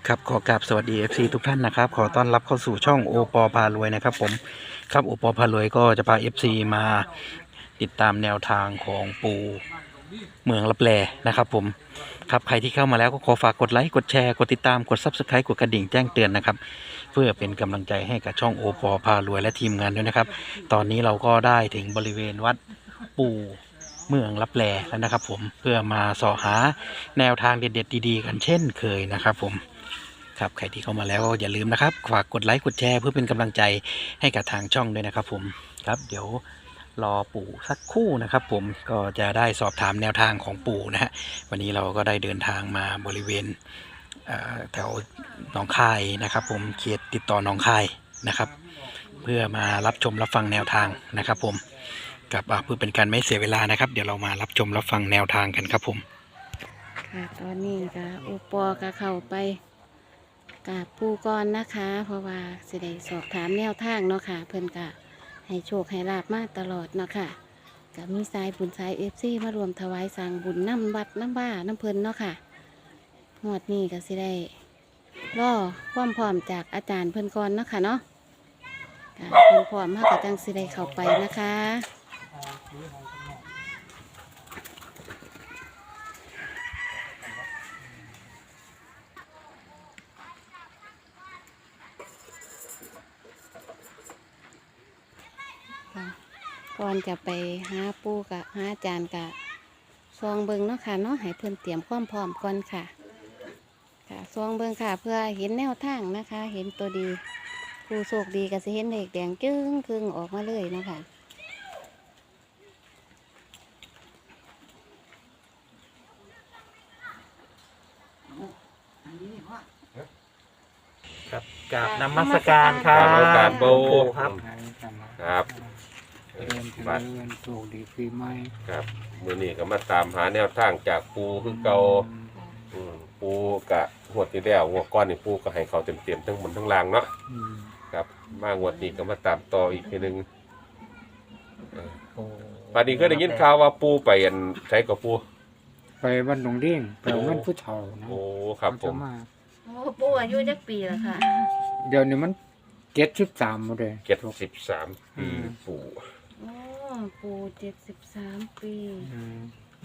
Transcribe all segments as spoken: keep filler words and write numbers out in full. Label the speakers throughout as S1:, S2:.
S1: ครับขอกราบสวัสดี เอฟ ซี ทุกท่านนะครับขอต้อนรับเข้าสู่ช่องโอปอพารวยนะครับผมครับโอปอพารวยก็จะพา เอฟ ซี มาติดตามแนวทางของปู่เมืองลับแลนะครับผมครับใครที่เข้ามาแล้วก็ขอฝากกดไลค์กดแชร์กดติดตามกด ซับสไครบ์ กดกระดิ่งแจ้งเตือนนะครับเพื่อเป็นกำลังใจให้กับช่องโอปอพารวยและทีมงานด้วยนะครับตอนนี้เราก็ได้ถึงบริเวณวัดปู่เมืองลับแลแล้วนะครับผมเพื่อมาเสาะหาแนวทางเด็ดๆดีๆกันเช่นเคยนะครับผมครับใครที่เข้ามาแล้วอย่าลืมนะครับฝากกดไลค์กดแชร์เพื่อเป็นกำลังใจให้กับทางช่องด้วยนะครับผมครับเดี๋ยวรอปู่สักครู่นะครับผมก็จะได้สอบถามแนวทางของปู่นะฮะวันนี้เราก็ได้เดินทางมาบริเวณแถวหนองคายนะครับผมเขตติดต่อหนองคายนะครับเพื่อมารับชมรับฟังแนวทางนะครับผมกับเพื่อเป็นการไม่เสียเวลานะครับเดี๋ยวเรามารับชมรับฟังแนวทางกันครับผม
S2: ค่ะตอนนี้ก็อุปอก็เข้าไปกราบปูก่อนนะคะ เพราะว่าสิได้สอบถามแนวทางเนาะค่ะเพิ่นก็ให้โชคให้ลาบมาตลอดเนาะค่ะก็มีสายบุญสายเอฟซีมารวมถวายสร้างบุญน้ำวัดน้ำบ้าน้ำเพิ่นเนาะค่ะงวดนี้ก็สิได้รอความพร้อมจากอาจารย์เพิ่นก่อนเนาะค่ะเนาะค่ะเพิ่นพร้อมมากกับจังสิได้เข้าไปนะคะก่อนจะไปหาปูกะหาอาจารย์กะซองเบิงเนาะค่ะเนาะให้เพิ่นเตรียมความพร้อมก่อนค่ะค่ะซองเบิงค่ะเพื่อเห็นแนวทางนะคะ เห็นตัวดีผู้โชคดีก็จะเห็นเด็กแดงจึ้งครึ่งออกมาเลยเนาะค่ะ
S1: ครับกราบนมัสการครับ
S3: กราบนมัสการปู่
S1: ครับ
S3: ครับ
S4: เรียนเจ
S3: บัด
S4: ริญโชคดีปีใหม่
S3: ครับมือนี้ก็มาตามหาแนวทางจากปูคือเก่าอืมปูกะงวดที่แล้วงวดก้อนนี่ปูก็ให้เขาเต็มๆทั้งบนทั้งล่างเนาะ
S4: อืม
S3: ครับมางวดนี้ก็มาตามต่ออีกทีหนึงเออบัดนี้ก็ได้ยินข่าวว่าปูไปอันใช้กับปู
S4: ไปบ้านหนองเด้งไปเอาเงินผู้เฒ่านะ
S3: โอ้ครับผ
S4: เขา
S3: ม
S4: จะมา
S2: โอ้ปูอายุจักปีแล้วค่ะ
S4: เดี๋ยวนี้มันเจ็ดสิบสามหมดเลย
S3: เจ็ดสิบสามปีปู
S2: โอ้ปูเจ็ดสิบสามปี
S4: อืม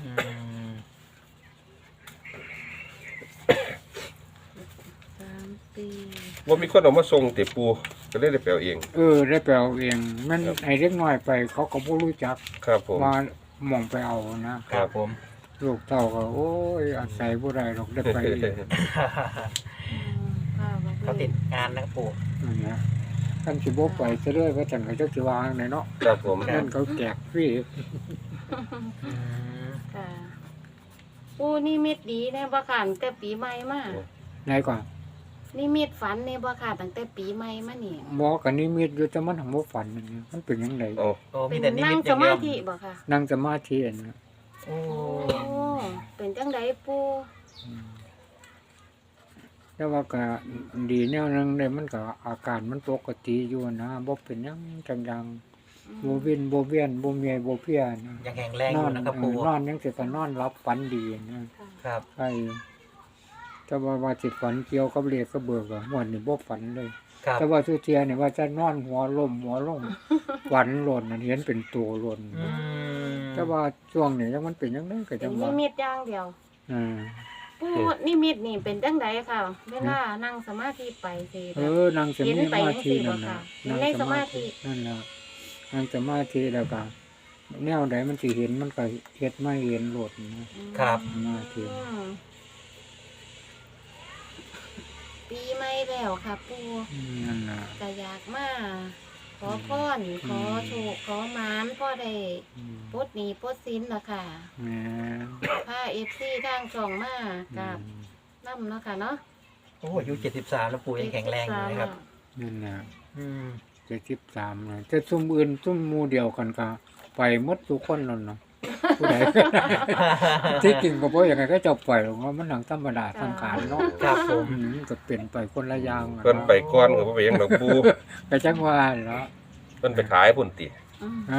S2: สามปี
S3: ว่ามีคนเอามาส่งติปูก็เลยได้ไปเอาเอง
S4: เออได้ไปเอาเองมันไอ้เล็กน้อยไปเขาก็บ่รู้จัก
S3: ครับผม
S4: ว่ามองไปเอานะครับ
S1: ผม
S4: ลูกเต่าก็โอ้ยอาศัยบ่ได้หรอกได้ไปเอง
S2: อืมค่ะบ่
S1: เขาติดงานนะครับปู่
S4: นั่นนะท่านสิบ่ไปซะเลยว่าจังก็จักสิวางไหนเนาะ
S3: ครับผม
S4: เงินเขาแจกฟรี
S2: ค่ะปูนี่มิดดีแน่บ่ค่ะตั้งแต่ปีใหม่มา
S4: ไหนก่อน
S2: นี่มิดฝันแน่บ่ค่ะตั้งแต่ปีใหม่มานี่
S4: หมอกันนี่มีอยู่แต่มันทำบ่ฝันนั่นนี่มันเป็นจังได
S3: โอ้
S1: โอ้
S2: เป็
S1: มี
S2: น
S1: แต่นิ
S2: นั่
S1: มิ
S2: ง
S1: ตอ
S2: ส
S1: ย่างเดี
S2: มา
S1: ยว
S2: ธิบ่ค่ะ
S4: นั่งสมาธิอันนั้น
S1: โอ้
S2: โอ้เป็นจังไดปู
S4: แต่ว่าก็ดีแนวนึงได้มันก็อาการมันปกติอยู่นะบ่เป็นหยังจังๆบ่วินบ่เวียนบ่เมียบ่เพลียนะ
S1: ยังแข็งแรง
S4: น
S1: อ
S4: อยู่ น
S1: นะครับ
S4: เอ
S1: ปู่
S4: อนอนยังสิก็นอนหลับฝันดีนะครับ ใช่แต่ว่าว่าสิฝันเกี่ยวกับเลขก็เบิกอะม่วนนี่บ่ฝันเลย
S1: ครับ
S4: แต่ว่าทุเทียนี่ว่าจะนอนหัวล้มหัวลง ฝันหล่นนั่นเห็นเป็นตัวหล่น
S1: อืม
S4: แต่ว่าช่วงนี้ยังมันเป็นจังได๋ก็
S2: เป็
S4: จั
S2: น
S4: ง
S2: นิ
S4: ว่า
S2: มิตอย่างเดียว
S4: อ่า
S2: ปูนิมิตนี่เป็นจังไดค่ะ เวลานั่งสมาธิไปสิ
S4: เออนั่งส
S2: เห็น
S4: มา
S2: ไป
S4: ธิ
S2: จังซี่บ่
S4: นั่น
S2: ค่ะ
S4: น่ะ
S2: เห็นในสมาธิ
S4: นั่นล่ะนั่งสมาธิแล้วก็แนวใดมันสิเห็นมันก็เฮ็ดไม่เห็นโลดนะครับ สมาธิ
S2: อืมปีใหม่แล้วค่ะปู
S4: อืมนั่นน่ะ
S2: ก็อยากมาขอพรขอโชคขอหมานพ่อได้
S4: อืม
S2: ปลดหนี้ปลดสินล่ะค่ะ
S4: แหม่
S2: พา เอฟ ซี ทางช่องมากับนํเนาะค่ะเนาะ
S1: โอ้อายุเจ็ดสิบสามแล้วปู่ยังแข็งแรงอยู่นะครับ
S4: นั่นน่ะ
S1: อืม
S4: เจ็ดสิบสามน่ะแต่ซุ่มอื่นซุ่มหมู่เดียวกันก็ไปหมดทุกคนนั่นน่ะผู้ใด ที่จริงก็บ่อย่างไงก็จะปล่อยหรอกว่ามันหนังธรรมดาสังขารเนาะ
S1: ครับผม
S4: อืมก็เปลี่ยนไปคนละอย่างอะ
S3: เพิ่นไปก้อนก็บ่ไปหยังดอกปู
S4: ไปจังว่าเนาะ
S3: เพิ่นไปขายพุ่นติ
S2: อืม
S4: ฮะ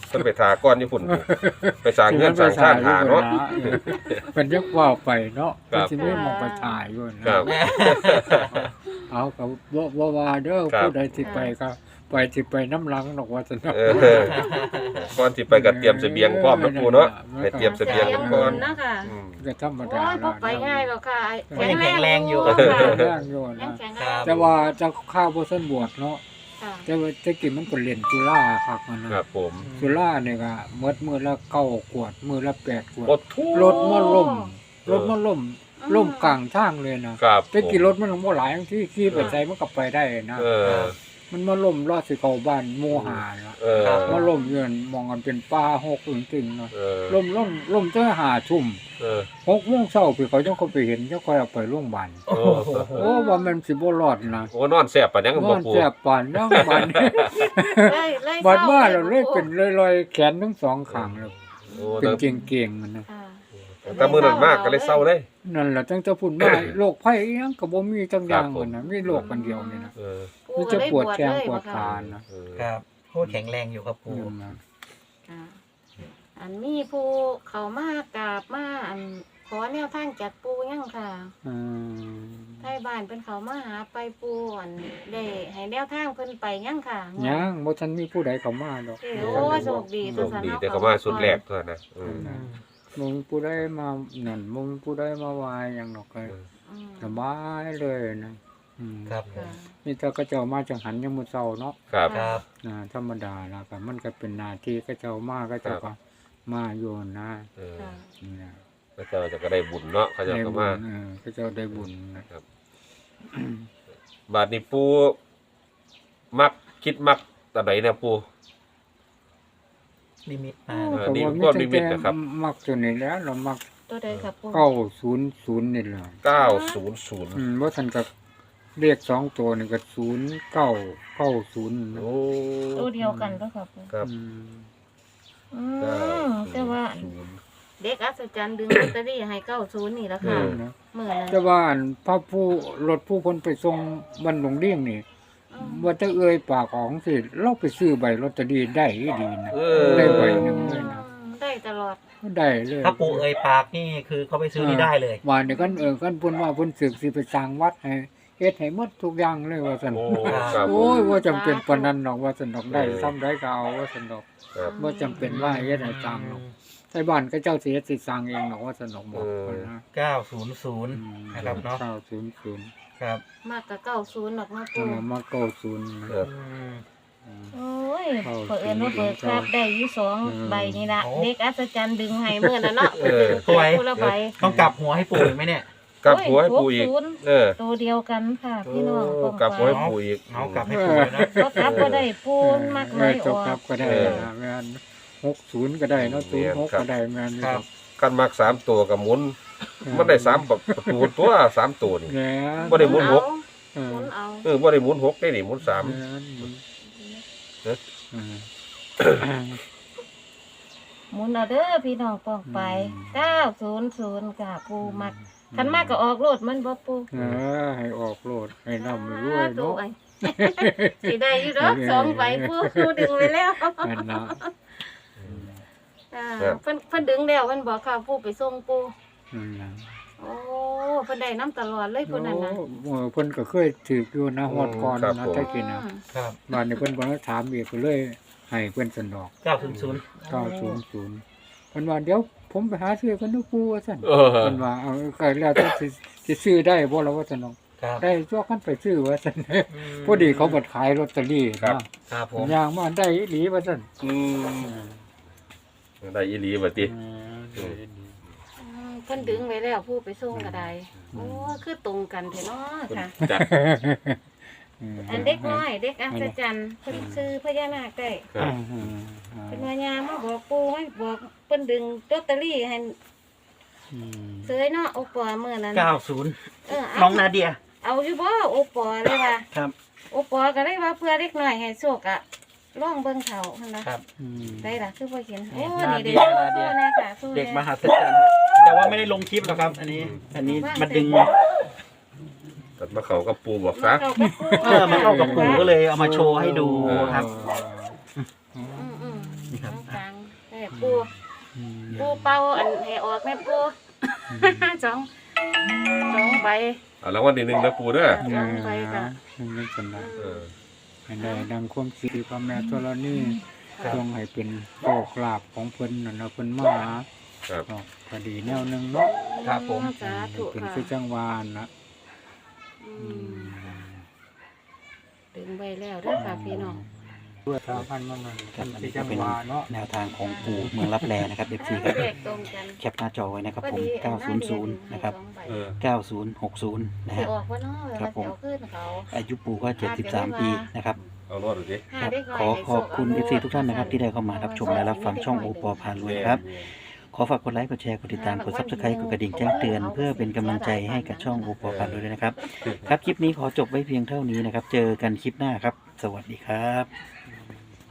S3: เพิ่นไปทาก้อนญี่ปุ่นไปสร้างเงินสร้างชาติหาเนาะ
S4: เป็นยักว่าไปเนาะ
S3: ครับ
S4: ที่ไม่มองไปถ่ายอยู่นะครับ เอากับว่าว่าว่าเด้อ
S3: ครับ
S4: ผู้ใดที่ไปก็ไปที่ไปน้ำหลังดอกว่าจะเนาะ
S3: เออก่อนสิไปก็เตรียมเสบียงพร้อมนะปูเนาะไปเตรียมเสบียงกันก่อน
S2: เนาะค่ะ
S3: อืม
S4: ก็ธรรม
S2: โอ้
S4: ดาย
S2: พอไปง่ายหรอกค่ะ
S5: ก็ยังแข็งแรงอยู่
S2: ค่ะ
S4: แรงอยู่
S2: ยั
S4: นะ
S2: งแข็ง
S5: ค
S2: แร
S5: รั
S2: ง
S5: บ
S4: แต่ว่าเจะข้าวบ่ทันบวชเนาะ
S2: ค่ะ
S4: แต่ว่าแตะกี้มันก็เล่นจุฬาครับมันนะครับ
S3: ผม
S4: จุฬาเนี่ยก็หมดมื้อละเก้าขวดมื้อละแปดขวด
S3: โอ้ทุ
S4: รถมาล่ม
S3: เออ
S4: รถมาล่มล่มกลางทางเลยนะครับ แต่กี่รถมันบ่หลายบางที่ขี่ไปไสมันก็ไปได้นะ
S3: เออ
S4: มันมาล่มรอดสิเข้าบ้านหมู่หาเนาะ
S3: เออ
S4: มาล่มเยือนมองกันเป็นป่าหกอึ่งตึงเนาะ
S3: เออ
S4: ล่มล่มล่มเจ้าหาทุ่ม
S3: เออ
S4: หกโมงเช้าพี่เขาจังเขาไปเห็นเจ้าค่อยเอาไปโรงพยาบาล
S3: โอ้โห
S4: โอ้ว่ามันสิบ่รอดนะ
S3: โอ้นอนแซ่บปานยัง
S4: น
S3: บ่
S4: อน
S3: ปู
S4: แสบปานยังบาน
S2: เลยเลย
S4: บาดมาแล้วเลยเป็นลอยๆแขนทั้งสองข้างเลย
S3: โอ้
S4: เป็น
S3: แต่
S4: เก่งๆมันนะ
S2: ค่ะ
S3: แต่มื้อนั้นมากก็เลยเศร้าเลย
S4: นั่นแหละจังจะพูดมาโรคภัยอิหยังก็บ่มีจังอย่างมันนะมีโรคกันเดียวนี่นะ
S3: เออ
S4: มันจะปวดแขนปวดขานะ
S3: เออ
S5: ครับโคตรแข็งแรงอยู่ครับปู
S4: นั่นนะ
S2: ค่ะอันมีผู้เขามากราบมาอันขอแนวทางจากปูยังค่ะ
S4: อืม
S2: ไทยบ้านเป็นเขามาหาไปปูอันได้ให้แนวทางเพิ่นไปยังค่ะ
S4: ยังบ่ทันมีผู้ใดเข้ามาดอก
S2: เอ้ยโอ้ยโชคดี
S3: โชคดีแต่ก็มาสุดแรกเท่านั้นนะเออ
S4: มึงผู้ใดมานั่นมึงผู้ใดมาวายหยังดอกก็
S2: อืม
S4: สบายเลยนะอืม
S5: ครับผ
S2: ค่ะ
S5: ม
S4: นี่ถ้าก็เจ้ามาจังหันยังมื้อเช้าเนาะ
S3: ครับ
S5: ครับ
S4: อ่าธรรมดาแล้วก็มันก็เป็นหน้าที่ก็เจ้ามาก็เจ้าก็มาอยู่นะ
S3: เออ
S2: ค่ะ
S4: เนี่ย
S3: พระเจ้าจะก็ได้บุญเนาะเขาจะ
S4: ได้
S3: ก็
S4: บุ
S3: มา
S4: ญเออก็เจ้าได้บุญนะครับ
S3: บาดนี้ปูมักคิดมักตอนไหนเนี่ยปู
S5: นิมิตมา
S3: เออ
S4: ก็
S3: นี่
S4: ว่า
S3: ก็
S4: มี
S3: นิมิ
S4: แต่
S3: ตนะครับ
S4: มักตัวนี้แล้วเรามัก
S2: ตัวใดครับปู
S4: เก้าศูนย์ศูนย์นี่แหละ
S3: เก้าศูนย์ศูนย์
S4: อืมว่าท่านก็เรียกสองตัวนี่ก็ศูนย์เก้าเก้าศูนย์
S3: โอ้
S2: ตัวเดียวกันก็ครับปู
S3: ครับ
S4: อืม
S2: อื
S3: เก้าม
S2: แต่ว่า
S3: ศูนย์
S2: เด็กอัศจรรย์ดึงลอตเตอรี่ให้เก้าศูนย์นี่แหละค่ะ
S3: เออ
S4: นะ
S2: เมื่อนั้น
S4: แต่ว่าอันพระผู้รถผู้คนไปส่งบันหลงเลี่ยงนี่
S2: อืม
S4: ว่าจะเอ่ยปากของสิเราไปซื้อใบลอตเตอรี่ได้ดีนะ
S3: เออ
S4: ได้ใบหนึ่งเลยนะ
S2: ได้ตลอด
S4: ได้เลย
S5: ถ้าปูเอ่ยปากนี่คือเขาไปซื้อนี่ได้เลย
S4: ว่าเนี่ยกันเออกันเพิ่นว่าเพิ่นสึกสิไปสร้างวัดให้เฮ็ดให้หมดทุกอย่างเลยว่าซั่น
S3: โอ้ครับผ
S4: โอ้
S3: ม
S4: ยว่าจำเป็นปานนั้นดอกว่าซั่นดอกได้
S3: เออ
S4: ซ้ำได้ก็เอาว่าซั่นดอก
S3: ครับ
S4: บ่จำเป็นว่าเฮ็ดให้สร้างหรอกไทบ้านก็เจ้าสิเฮ็ดสิสร้างเองดอกว่าซั่นดอกบอกเพิ่นนะ
S5: เก้าศูนย์ศูนย์
S4: อืม
S5: นะครับเนาะ
S4: เก้าศูนย์ศูนย์
S5: ครับ
S2: มากกับเก้าศูนย์หรอกเนาะ
S4: เอ
S2: ปู
S4: อมาเก้าศูนย์นะ
S3: ครับ
S5: อืม
S4: อืม
S2: โอ้ย
S4: เข้า
S2: เปิดเอิญว่าเปิดครับได้อยี่สอง
S4: เออ
S2: ใบนี่ละ
S5: โอ้
S2: เด็กอัศจรรย์ดึงให้เมื่อนั้นเนาะ
S3: เออ
S2: เปิดคนละใบ
S5: ต้องกลับหัวให้ปูอีกไหมเนี่ย
S3: กลับหัวให้ปูอีก
S2: โยหศูนย์
S3: เออ
S2: ตัวเดียวกันค่ะพี่น้อง
S3: โอ้
S2: ป้อง
S3: กลับหัวให้
S2: ไป
S3: ปูอีก
S5: เอากลับให้ปูเลยนะ
S2: ก็กลับก็ได้ปูนมาก
S4: เอ
S2: ไม่
S4: อ
S2: อ
S4: จ
S2: อบ
S4: ครั
S2: ก
S4: บก็ได้
S3: เออ
S4: นะแม่นหกศูนย์ก็ได้เนาะศูนย์หกก็ได้แม่น
S5: ครับ
S3: กันมักสามตัวกับหมุน มันได้สามประตูตัวสามตัวนี่
S4: แหน่
S3: บ่ได้หมุนหก
S4: เอ
S2: ห
S4: อ
S2: มุนเอา
S3: เออบ่ได้หมุนหกได้นี่หมุนสาม
S4: แม่น
S3: เอ๊ะ
S4: เออ
S2: หมุนเอาเด้อพี่น้องป้องไป
S4: อืม
S2: เก้าศูนย์ศูนย์ค่ะปูมักคันมากก็ออกโลดมันบ่ปู
S4: เออให้ออกโลดให้นำรวยเนาะ
S2: ไอ้ สิได้อยู่ดอกสองใบปูปูดึงไว้แล้ว
S4: นั่นนะ
S2: อ่าเพิ่นเพิ่นดึงแล้วเพิ่นบอกค่ะปูไปส่งปู
S4: นั่นนะ
S2: โอ้เพิ่นได้น้ำตลอดเลยเพิ่นนั่นน่ะ
S4: โอ้เออเพิ่นก็เคยถืออยู่นะฮอดก่อน
S3: ครับ
S4: นะ
S3: ผม
S4: ถ้ากินนะ
S2: อืม
S5: ครับ
S4: บ้านนี้เพิ่นบ่ได้ถามอีกก็เลยให้เพิ่นสนอก
S5: เก้าศูนย์ศูนย์
S4: เก้าศูนย์ศูนย์เพิ่นว่าเดี๋ยวผมไปหาซื้อกันเด้อปู่ว่าซั่น
S3: เออ
S4: เพิ่นว่าเอาก็แล้วแต่สิสิซื้อได้บ่ล่ะว่าซั่นเนาะ
S5: ครับ
S4: ได้ตัวกันไปซื้อว่าซั่นพอดีเขาบัดขายลอตเตอรี่
S3: ครับ
S5: ครับผม
S4: ย่างมาได้อีหลีว่าซั่น
S3: อืมได้อีหลีบัดนี้
S4: เออ
S2: อืมเพิ่นดึงไว้แล้วผู้ไปส่งก็ได้โอ้คือตรงกันแท้เนาะค่ะ
S3: จัด
S2: อันเด็กน้อยเด็กอัศจรรย์เพิ่นซื้อพญานาคได้
S3: ครับ
S2: เป็นว่ายามมาบอกปู่ให้บอกเพิ่นดึงลอตเตอรี่ให้เสยเนาะโอปอมื้อนั้น
S5: เก้าศูนย์
S2: เออ
S5: น้
S2: เอา
S5: องนาเดีย
S2: เอาอยู่บ่โอปอเลยว่า
S5: ครับ
S2: โอปอก็เลยว่าเพื่อเด็กน้อยให้โชคอะลองเบิ่งเขาหั่นล่ะ
S5: ครับ
S2: ได้ล่ะคือบ่เห็นโอ้
S5: นา
S2: นี่
S5: เดี
S2: เด็
S5: ย
S2: ก
S5: นาเดีย
S2: แน่ค่ะสู้
S5: เด็ก
S2: แน่
S5: มหัศจรรย์แต่ว่าไม่ได้ลงคลิปหรอกครับ อันนี้ อันนี้มาดึง
S3: ตัดมาเขากับปูบอกซะ
S2: เข้ากับปู่
S5: เออมาเข้ากับปู่ก็เลยเอามาโชว์ให้ดูครับ
S2: อืมๆ
S5: นี่ครับ
S2: น้องตาปู
S4: อืม
S2: ปูเป่าอันให้ออกแม่ปู สองสองใบ
S3: เอารางวัลที่หนึ่งนะปูเด้อ
S2: สองใบค่ะ
S4: นี่เป็นไร
S3: เออ
S4: ให้ได้ดังความสิริพระแม่ธรณี
S2: ค่ะ
S4: จงให้เป็นโชคลาภของเพิ่นนั่นนะเพิ่นมาหา
S3: ครับ
S4: เนาะก็ดีแนวหนึงเนาะ
S1: ครับผม
S2: สาธุ
S4: เป็น
S2: ค่ะ
S4: คือจังหวานนะ
S2: อืมดึงใบแล้วเด้อค่ะพี่น้อง
S4: ด้วยทางพันมันนั่น
S1: ครับ
S4: เป็น
S1: อัน
S4: คือ
S1: นี้
S4: จั
S1: ก็
S4: ง
S1: เป็น
S4: หวาเนาะ
S1: แนวทางของปู่เมืองรับแลนะครับ เอฟซีครับ
S2: เลขตรงกัน
S1: แคปหน้าจอไว้นะครับผม
S2: พอดี
S1: เก้าศูนย์ศูนย์นะครับ
S2: สองใบ
S3: เออ
S1: เก้าศูนย์หกศูนย์นะ
S2: สิ
S1: ฮะ
S2: ออกว่าเนาะเว
S1: ครั
S2: ลา
S1: บผม
S2: สิเอาขึ้นเขา
S1: อายุปู่ก็เจ็ดสิบสามปีนะครับ
S3: เอารอดดูสิ
S2: ห้า
S1: ครับ
S2: เด็กน้ย
S1: ขอ
S2: ให้
S1: ขอบคุณ
S2: โช
S1: เอฟซีทุกท่านนะครับที่ได้เข้ามารับชมและรับฟังช่องโอปอพารวยครับ ขอฝากกดไลค์กดแชร์กดติดตามกดซับสไครต์กดกระดิ่งแจ้งเตือนเพื่อเป็นกำลังใจให้กับช่องโอปอพารวยด้วยนะครับ ครับคลิปนี้ขอจบไว้เพียงเท่านี้นะครับ เจอกันคลิปหน้าครับ สวัสดีครับ